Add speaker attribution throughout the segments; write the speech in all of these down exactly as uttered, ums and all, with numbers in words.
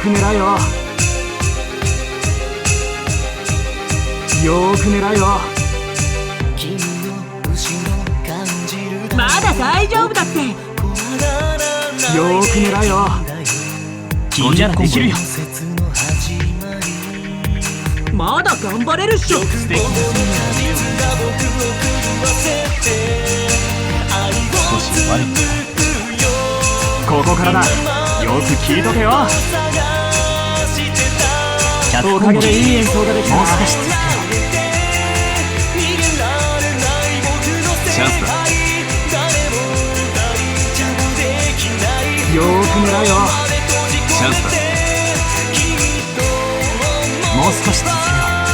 Speaker 1: く狙えよ。よーく狙えよ。
Speaker 2: まだ大丈夫だって。
Speaker 1: よーく狙えよ。
Speaker 2: 君ならできるよ。まだ頑張れるっしょ。素敵な少し悪いんだ。
Speaker 1: ここからだ。よく聞いとけよ。おかげでいい演奏ができた。
Speaker 2: もう少し続けよう。チャンスだ。
Speaker 1: よーく狙えよ。
Speaker 2: チャンスだ。もう少し続けよ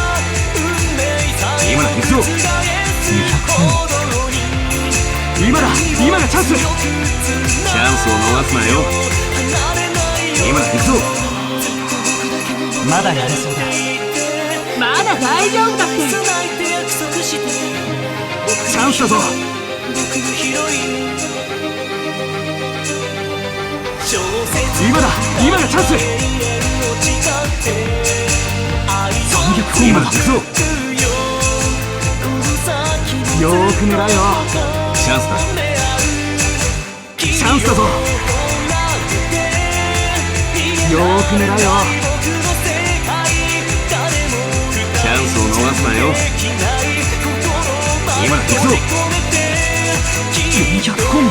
Speaker 2: う。今だ行くぞ。にひゃくてん。
Speaker 1: 今だ。今がチャンス。
Speaker 2: チャンスを逃すなよ。今だ行くぞ。まだやれそうだ。まだ大丈夫だって。
Speaker 1: チャンスだぞ。今だ。今がチャンス。
Speaker 2: さんびゃく今だ行くぞ。
Speaker 1: よーく狙えよ。
Speaker 2: チャンスだ。
Speaker 1: チャンスだぞ。よーく狙えよ。
Speaker 2: チャンスを逃すなよ。今だ行くぞ。よんひゃくコンボ。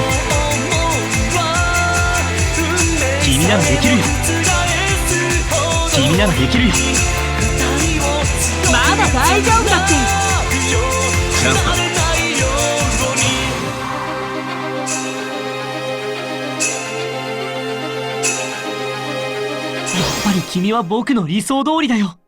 Speaker 2: 君ならできるよ。君ならできるよ。まだ大丈夫だって。チャンスだ。やっぱり君は僕の理想通りだよ。